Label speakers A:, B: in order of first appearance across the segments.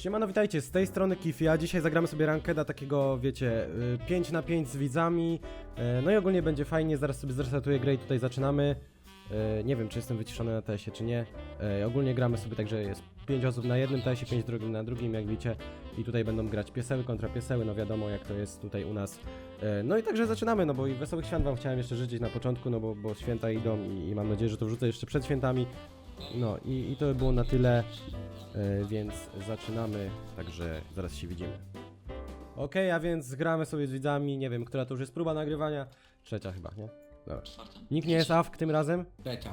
A: Siemano, witajcie, z tej strony Kifia. Dzisiaj zagramy sobie rankeda takiego, wiecie, 5 na 5 z widzami. No i ogólnie będzie fajnie, zaraz sobie zrestartuję grę i tutaj zaczynamy. Nie wiem, czy jestem wyciszony na TS-ie, czy nie. Ogólnie gramy sobie tak, że jest 5 osób na jednym TS-ie, 5 drugim na drugim, jak widzicie. I tutaj będą grać pieseły kontra pieseły, no wiadomo jak to jest tutaj u nas. No i także zaczynamy, no bo i wesołych świąt wam chciałem jeszcze życzyć na początku, no bo święta idą i mam nadzieję, że to wrzucę jeszcze przed świętami. No i to by było na tyle, więc zaczynamy, także zaraz się widzimy. Okej, a więc gramy sobie z widzami, nie wiem, która to już jest próba nagrywania. Trzecia chyba, nie? Dobra.
B: Czwarta.
A: Nikt nie jest AFK tym razem?
C: Trzecia.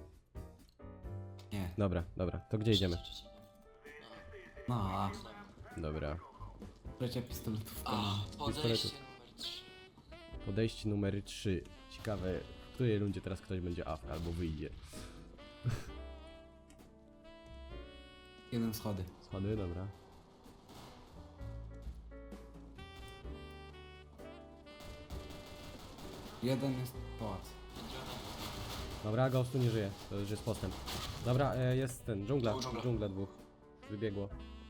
C: Nie.
A: Dobra, to gdzie idziemy?
C: No, a
A: Dobra.
C: trzecia pistoletówka.
B: A,
C: No.
B: podejście numer 3.
A: Podejście numer 3. Ciekawe, w której rundzie teraz ktoś będzie AFK albo wyjdzie.
C: Jeden schody.
A: Schody, dobra.
C: Jeden jest pałac.
A: Dobra, Ghostu nie żyje, to już jest postęp. Dobra, jest ten, dżungla,
B: Dżungla.
A: dżungla dwóch. Wybiegło.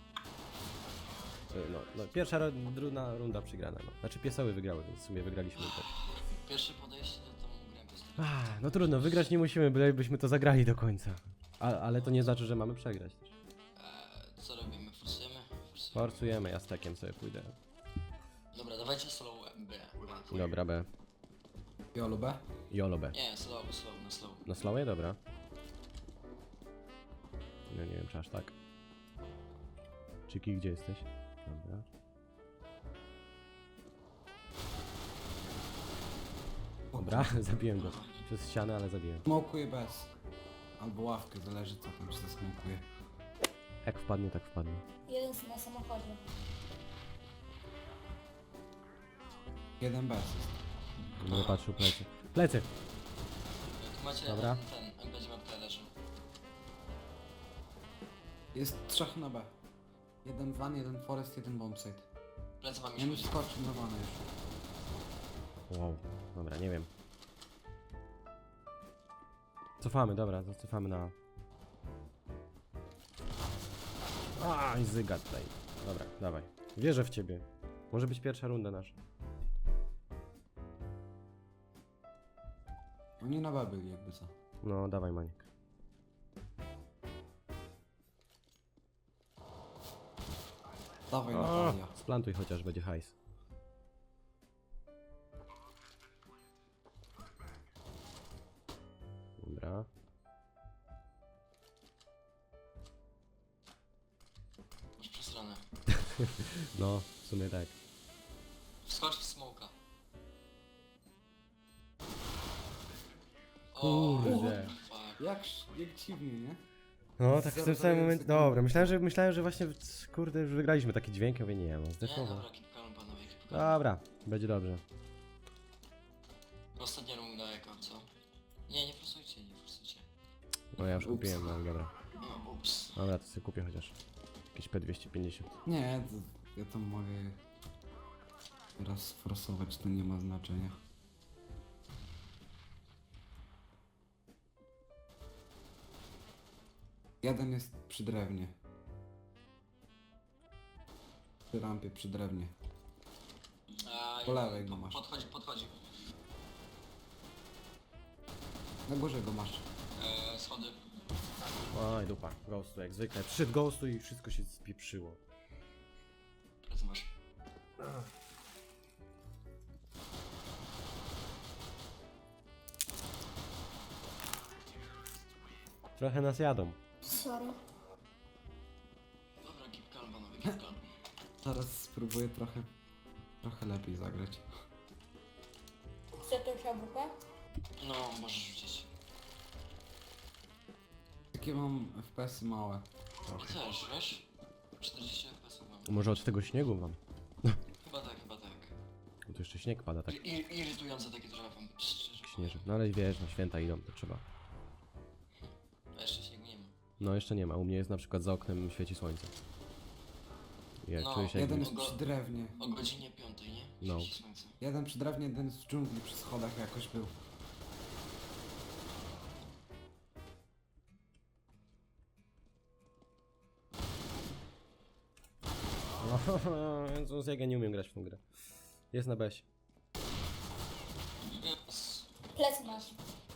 A: No, pierwsza runda przegrana, no. Znaczy pieseły wygrały, więc w sumie wygraliśmy też.
B: Pierwsze podejście to grę bez
A: No trudno, wygrać nie musimy, bylebyśmy to zagrali do końca. Ale to nie znaczy, że mamy przegrać też.
B: Co robimy? Forsujemy?
A: Forsujemy, ja stekiem sobie pójdę.
B: Dobra, dawajcie slow B.
A: Dobra, B.
C: Jolo B.
A: Jolo B.
B: Nie, slow, na slow.
A: Na slowie? Dobra. No nie wiem, czy aż tak. Czyki, gdzie jesteś? Dobra. Dobra, zabiłem go. Przez ścianę, ale zabiłem.
C: Smokuje bez. Albo ławkę, zależy co tam się zasmokuje.
A: Jak wpadnie, tak wpadnie.
D: Jeden na samochodzie.
C: Jeden bez jest.
A: Będę patrzył plecy. Plecy!
B: Tu macie
A: Dobra.
B: ten, będzie mapkę leży.
C: Jest trzech na B. Jeden van, jeden forest, jeden bombsite.
B: Plecy wam
C: Ja mi
B: już
C: skoczył na vana już.
A: Wow. Dobra, nie wiem. Cofamy, dobra, zacofamy na... I zyga tutaj. Dobra, dawaj. Wierzę w ciebie. Może być pierwsza runda nasza.
C: Oni na B byli jakby co.
A: No, dawaj, Maniek.
C: Dawaj na palia.
A: Splantuj chociaż, będzie hajs. Dobra.
B: masz przesrane.
A: No, w sumie tak.
B: Wskocz w smoka.
A: Kurde.
B: Fuck.
C: Jak dziwnie, nie?
A: No, tak w tym
C: Zero
A: samym
C: zero
A: momencie.
C: sekund.
A: Dobra, myślałem, że właśnie, kurde, już wygraliśmy taki dźwięk, ja mówię, nie, no
B: Nie,
A: zdefował.
B: dobra, keep calm panowie, keep calm.
A: Dobra, będzie dobrze.
B: Ostatnia runda jaka, co? Nie forsujcie.
A: No ja już kupiłem, no dobra.
B: No, ups.
A: Dobra, to sobie kupię chociaż. Jakieś P250.
C: Nie, to, ja tam mogę raz sforsować, to nie ma znaczenia. Jeden jest przy drewnie. Przy rampie, przy drewnie. Po lewej go masz.
B: Podchodzi.
C: Na górze go masz.
B: Schody.
A: Oj, dupa, ghostu jak zwykle. Przyszedł ghostu i wszystko się spieprzyło.
B: Plecy masz.
A: Trochę nas jadą.
D: Sorry.
B: Dobra, keep calm panowie, keep calm.
C: Zaraz spróbuję trochę lepiej zagrać.
D: Chce też AWP?
B: No, możesz rzucić.
C: Takie mam FPS-y małe.
B: I też, wiesz? 40 FPS mam.
A: Może od tego śniegu mam.
B: Chyba tak.
A: Bo tu jeszcze śnieg pada, tak
B: Irytujące takie trochę wam szczerze.
A: śnieży. No ale wiesz, no święta idą, to trzeba.
B: A jeszcze śniegu nie ma.
A: No jeszcze nie ma, u mnie jest na przykład za oknem świeci słońce. Ja
B: No,
A: czuję się
C: Jeden
A: jakby...
C: jest przy drewnie.
B: O godzinie 5, nie?
A: No.
B: Świeci słońce.
C: Jeden przy drewnie, jeden jest w dżungli przy schodach jakoś był.
A: Jezus, jak ja nie umiem grać w tą grę. Jest na besie.
B: Yes.
D: Plecy masz.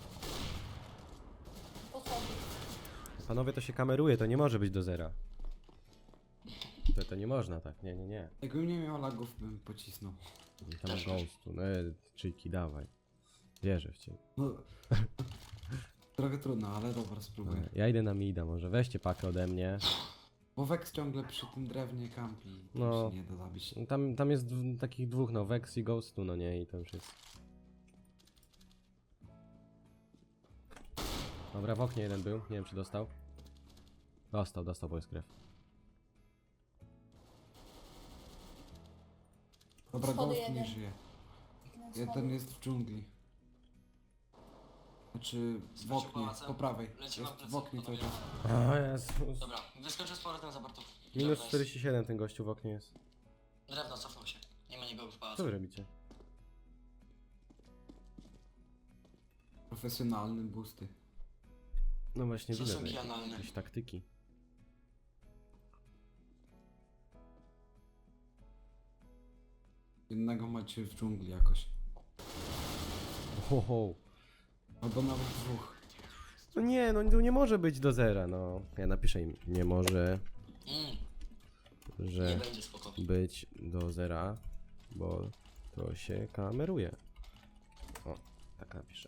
D: Podchodzi.
A: Panowie, to się kameruje, to nie może być do zera. To nie można tak, nie.
C: Jakbym nie miał lagów, bym pocisnął.
A: I tam ghostu, no czyjki, dawaj. Wierzę w ciebie.
C: No... Trochę trudno, ale dobra, spróbuję.
A: Dobra, ja idę na mida, może weźcie pakę ode mnie.
C: Bo Vex ciągle przy tym drewnie kampi.
A: No.
C: No. Się nie da zabić.
A: Tam jest takich dwóch, no, Vex i Ghostu, no nie, i to już jest. Dobra, w oknie jeden był, nie wiem czy dostał. Dostał, bo jest krew.
C: Dobra,
D: Schody
C: Ghost nie
D: jeden.
C: żyje.
D: Jeden
C: Jeden
D: schody.
C: jest w dżungli. Znaczy w
B: Skoczył
C: oknie,
B: pałacem.
C: po prawej.
B: Leci
C: Jest
B: wam plecy,
C: w oknie cały
B: panowie.
C: czas.
A: O Jezus.
B: Dobra, wyskoczę z powrotem za Bartów.
A: Minus
B: Nice.
A: 47 ten gościu w oknie jest.
B: Drewno, cofnął się. Nie ma nikogo w
A: Co
B: pałacu.
A: wy robicie?
C: Profesjonalny boosty.
A: No właśnie widzę,
B: Stosunki
A: że
B: analne.
A: jakieś taktyki.
C: Jednego macie w dżungli jakoś.
A: Ho.
C: Albo nawet dwóch.
A: No nie, no tu nie może być do zera, no. Ja napiszę im, nie może,
B: Nie
A: że
B: będzie spoko.
A: być do zera, bo to się kameruje. O, tak napiszę.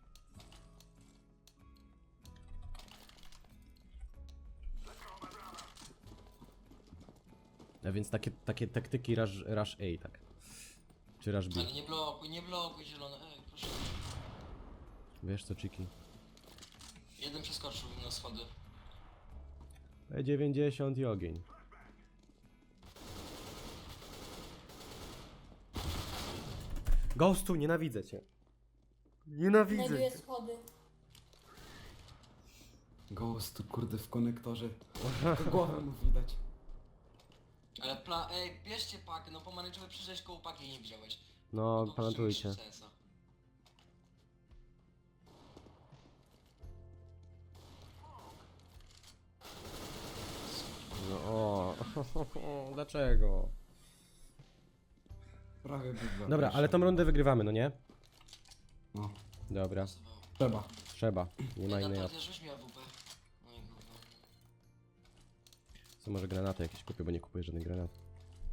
A: A więc takie taktyki rush A, tak. Czy rush B.
B: Ale nie blokuj zielone. Ej, proszę.
A: Wiesz co, Chiki?
B: Jeden przeskoczył na schody.
A: E90 i ogień. Ghostu, nienawidzę cię. Nienawidzę
D: Znajduję
A: cię.
D: schody.
C: Ghost, kurde, w konektorze. Tylko głowę mu widać.
B: Ale ej, bierzcie pakę, no pomarańczowy przyjrzeć koło paki nie widziałeś.
A: No,
B: No,
A: planetujcie.
B: wstrzymaj się, CS-a.
A: No, o, dlaczego?
C: Prawie by
A: Dobra, ale tą rundę wygrywamy, no nie?
C: No,
A: Dobra,
C: trzeba.
A: trzeba. Nie ma innej
B: Natalia,
A: opcji.
B: rzuć mi AWP. No i gówno.
A: Co może granaty jakieś kupię, bo nie kupuję żadnych granatów.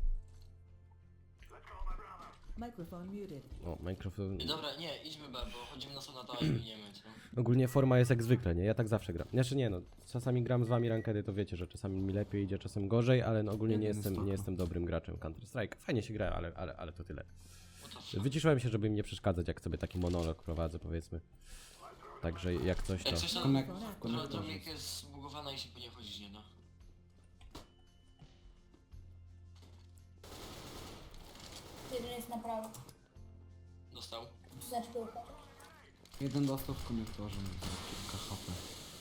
E: Microphone muted.
A: O, Minecraft.
B: I dobra, nie, idźmy B, bo chodzimy na sonata i miniemy, co?
A: Ogólnie forma jest jak zwykle, nie? Ja tak zawsze gram. Znaczy nie no, czasami gram z wami rankedy, to wiecie, że czasami mi lepiej idzie, czasem gorzej, ale no ogólnie nie jestem dobrym graczem Counter Strike. Fajnie się gra, ale to tyle.
B: What the fuck?
A: Wyciszyłem się, żeby im nie przeszkadzać, jak sobie taki monolog prowadzę, powiedzmy. Także jak coś to...
B: Jak coś to...
C: W konektorze.
B: Droplik jest zbugowana i się po nie chodzić nie da.
D: Jeden jest na prawo.
B: Dostał.
D: To znaczy piłkę.
C: Jeden dostał w konektorze, no to kilka HP.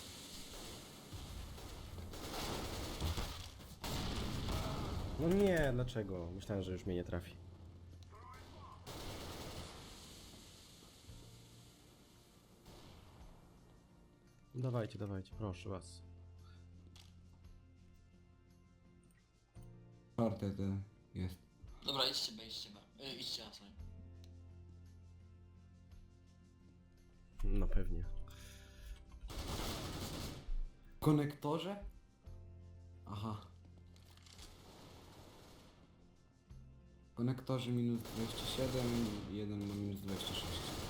A: No nie, dlaczego? Myślałem, że już mnie nie trafi. Dawajcie, proszę was.
C: Czwarty ten jest.
B: Dobra, idźcie B. Idźcie A, sorry.
A: No pewnie.
C: W konektorze? Aha. W konektorze minus 27 i jeden ma minus 26.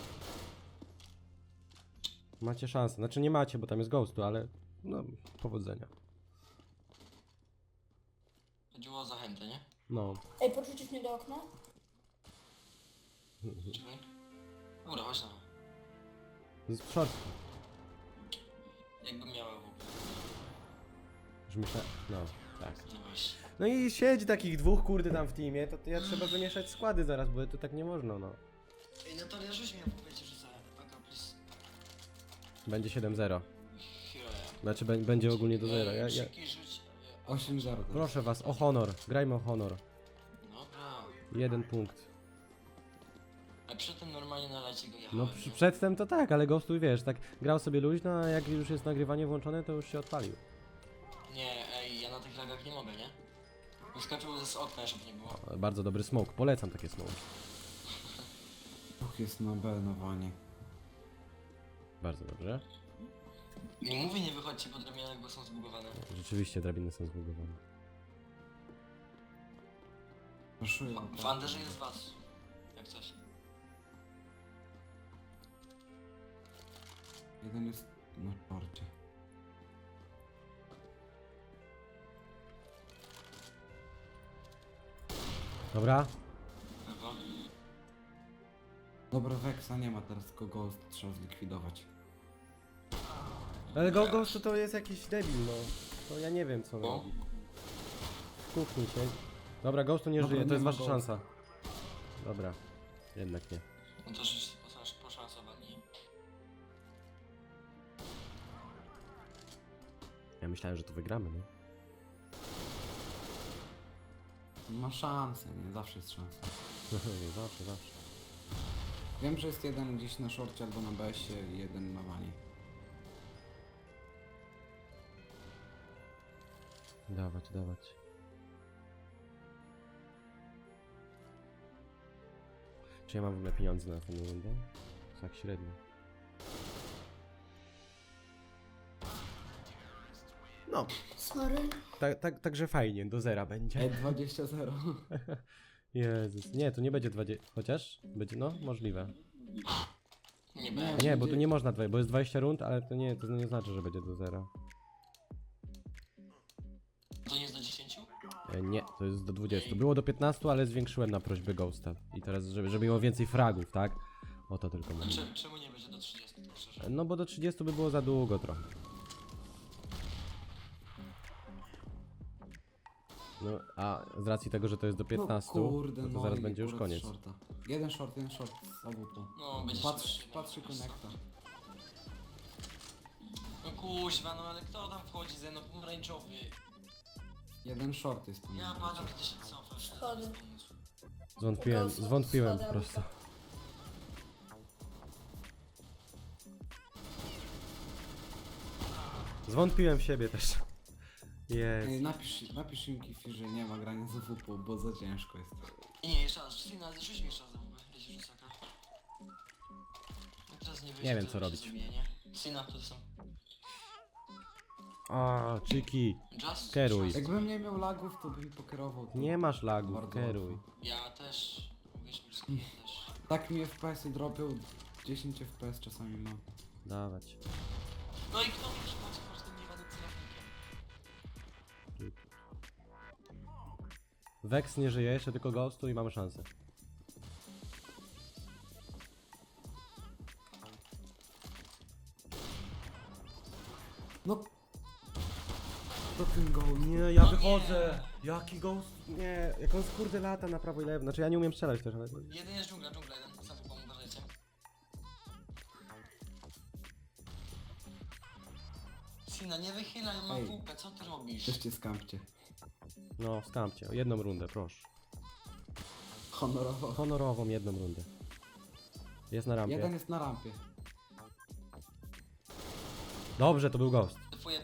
A: Macie szansę. Znaczy nie macie, bo tam jest ghostu, ale no, powodzenia.
B: Chodziło o zachętę, nie?
A: No.
D: Ej, podrzucisz mnie do okna?
B: Czekaj. Dobra, chodź na A.
A: Z short.
B: Jakbym miała AWP.
A: Już myślę. No, tak.
B: No właśnie.
A: No i siedzi takich dwóch kurde tam w teamie, to ja trzeba wymieszać składy zaraz, bo to tak nie można, no.
B: Ej, Natalia, rzuć mi AWP, ci rzucę. Aka, please.
A: Będzie 7-0.
B: Here.
A: Znaczy będzie ogólnie do zera. Ja...
B: Krzyki rzuć.
C: 8-0 teraz.
A: Proszę was, o honor. Grajmy o honor.
B: Dobra.
A: 1 punkt.
B: A przedtem normalnie na lecie go jechałem,
A: No
B: nie?
A: przedtem to tak, ale Ghostu wiesz, tak grał sobie luźno, a jak już jest nagrywanie włączone, to już się odpalił.
B: Nie, ej, ja na tych lagach nie mogę, nie? Wyskoczył z okna, żeby nie było.
A: Bardzo dobry smoke, polecam takie smoke.
C: Dwóch jest na B na wanie.
A: Bardzo dobrze.
B: Nie mówię, nie wychodźcie po drabinach, bo są zbugowane.
A: Rzeczywiście drabiny są zbugowane.
C: Raszuję.
B: W Anderze jest was. Jak coś.
C: Jeden jest na porcie.
A: Dobra.
B: Lewo.
C: Dobra, Vexa nie ma teraz, tylko Ghost trzeba zlikwidować.
A: Ale Ghost to jest jakiś debil, no. To ja nie wiem co on
B: No.
A: robi. W kuchni się. Dobra, Ghostu nie
C: Dobra,
A: żyje, to
C: nie
A: jest
C: ma
A: wasza
C: Ghosta.
A: szansa. Dobra. Jednak nie.
B: No to już poszansowali.
A: Ja myślałem, że to wygramy, nie?
C: Ma szansę, nie? Zawsze jest szansa.
A: Zawsze, zawsze.
C: Wiem, że jest jeden gdzieś na szorcie albo na BS-ie i jeden na wanie.
A: Dawać, dawać. Czy ja mam w ogóle pieniądze na tę rundę? Tak średnio. No,
D: Sorry.
A: także fajnie, do zera będzie.
C: Ej, 20-0.
A: Jezus, nie, to nie będzie 20, chociaż? Będzie, no, możliwe.
B: Nie będzie.
A: Nie, bo tu nie można, bo jest 20 rund, ale to nie znaczy, że będzie do zera.
B: To nie jest do 10?
A: Nie, to jest do 20. Było do 15, ale zwiększyłem na prośbę Ghosta. I teraz, żeby miło więcej fragów, tak? O to tylko
B: A
A: mówię.
B: czemu nie będzie do 30, tak szczerze?
A: No bo do 30 by było za długo trochę. No, a z racji tego, że to jest do 15,
C: No kurde,
A: to zaraz
C: i
A: będzie już
C: akurat
A: koniec.
C: Shorta. Jeden short z AWP.
B: No, będzie
C: Patrz,
B: się
C: patrzy
B: nie
C: konekta.
B: No kuźwa, no ale kto tam wchodzi ze mną? Pomarańczowy.
C: Jeden short jest po
B: Ja
C: nim.
B: padam, kiedy się cofasz.
D: Schody.
A: Zwątpiłem po
D: Schody,
A: prostu. Zwątpiłem w siebie też. Jest.
C: Ej, napisz im Kifi, że nie ma grania z AWP, bo za ciężko jest.
B: Nie, jeszcze raz, Sina, rzuć mi jeszcze raz za łbę. Lecisz wysoko. No teraz nie wyjdzie,
A: Nie wiem,
B: to
A: co
B: się
A: robić.
B: Zabije, nie? Sina, to są.
A: A, Chiki.
B: Just?
A: Kieruj.
C: Jakbym nie miał lagów, to bym pokierował. to
A: Nie masz lagów,
C: bardzo
A: kieruj.
C: łatwo.
B: Ja też. Mówisz mi, ja też.
C: Tak mi FPS-y dropią, 10 FPS czasami mam.
A: Dawać.
B: No i kto mi przychodzi po tym niewanym celownikiem?
A: Vex nie żyje, jeszcze tylko Ghostu i mamy szansę.
C: No. To ten goal.
A: Nie, ja
B: No
A: wychodzę! Jaki Ghost? Nie, jak on kurde lata na prawo i lewo. Znaczy ja nie umiem strzelać też, ale...
B: Jeden jest dżungla jeden. Sam wam uważajcie. Sina, nie wychylaj, mam
C: Ej.
B: WP, co ty robisz?
C: Też cię skampcie.
A: No, skampcie. O jedną rundę, proszę.
C: Honorowo.
A: Honorową jedną rundę. Jest na rampie.
C: Jeden jest na rampie.
A: Dobrze, to był Ghost.
B: Defuję.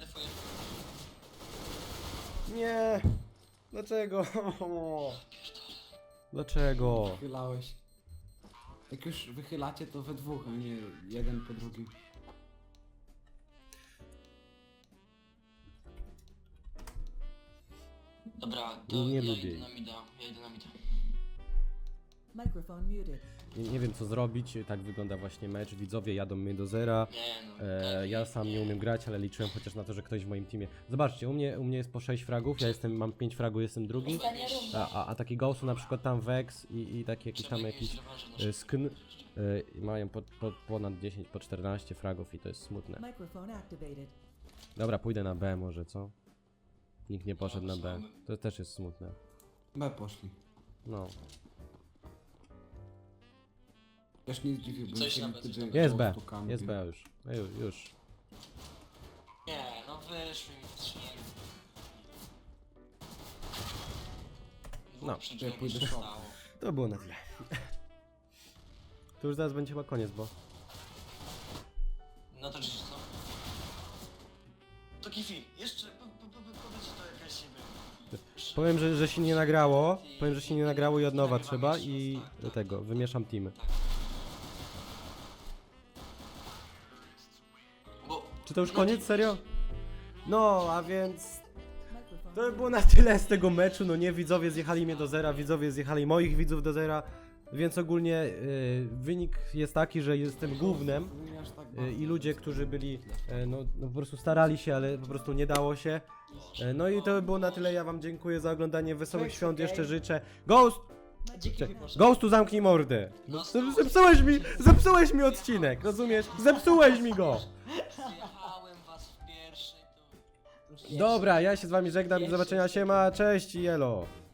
A: Nie! Dlaczego? Dlaczego?
C: Wychylałeś. Jak już wychylacie, to we dwóch, a nie jeden po drugim.
B: Dobra, to
A: Nie
B: ja
A: lubię.
B: idę na mida.
E: Microphone muted.
A: Nie wiem co zrobić, tak wygląda właśnie mecz. Widzowie jadą mnie do zera.
B: Nie no.
A: Ja sam nie umiem grać, ale liczyłem chociaż na to, że ktoś w moim teamie. Zobaczcie, u mnie jest po 6 fragów, mam 5 fragów, jestem drugi.
D: Ostatnia runda.
A: A taki Ghostu na przykład tam Vex i taki jakiś tam jakiś skn mają ponad 10, po 14 fragów i to jest smutne.
E: Microphone activated.
A: Dobra, pójdę na B może, co? Nikt nie poszedł na B. To też jest smutne.
C: B poszli.
A: No.
C: Też nie zdziwiłbym
B: Coś
C: się,
B: na B, coś
C: gdyby
B: na B.
A: Jest B,
C: Ghostu kampił.
A: jest B już. No już.
B: Nie, no wyszły mi w 3.
A: No,
C: ja pójdę short.
A: To było na tyle. To już zaraz będzie chyba koniec, bo...
B: No to rzeczywiście co? To Kifi, jeszcze powiedz, że to jakaś siebie.
A: Powiem, że się nie nagrało. Powiem, że się nie nagrało i od nowa trzeba i do tego, wymieszam teamy.
B: Bo...
A: Czy to już koniec, serio? No, a więc
E: Microphone
A: to by było na tyle z tego meczu, no nie, widzowie zjechali mnie do zera, widzowie zjechali moich widzów do zera, więc ogólnie wynik jest taki, że jestem głównym i ludzie, którzy byli, no po prostu starali się, ale po prostu nie dało się. No i to by było na tyle, ja wam dziękuję za oglądanie, wesołych świąt jeszcze życzę. Ghost! Ghostu zamknij mordę! No, zepsułeś mi odcinek, rozumiesz? Zepsułeś mi go!
B: Zjechałem was w pierwszy, to...
A: Dobra, ja się z wami żegnam, do zobaczenia, siema, cześć i elo!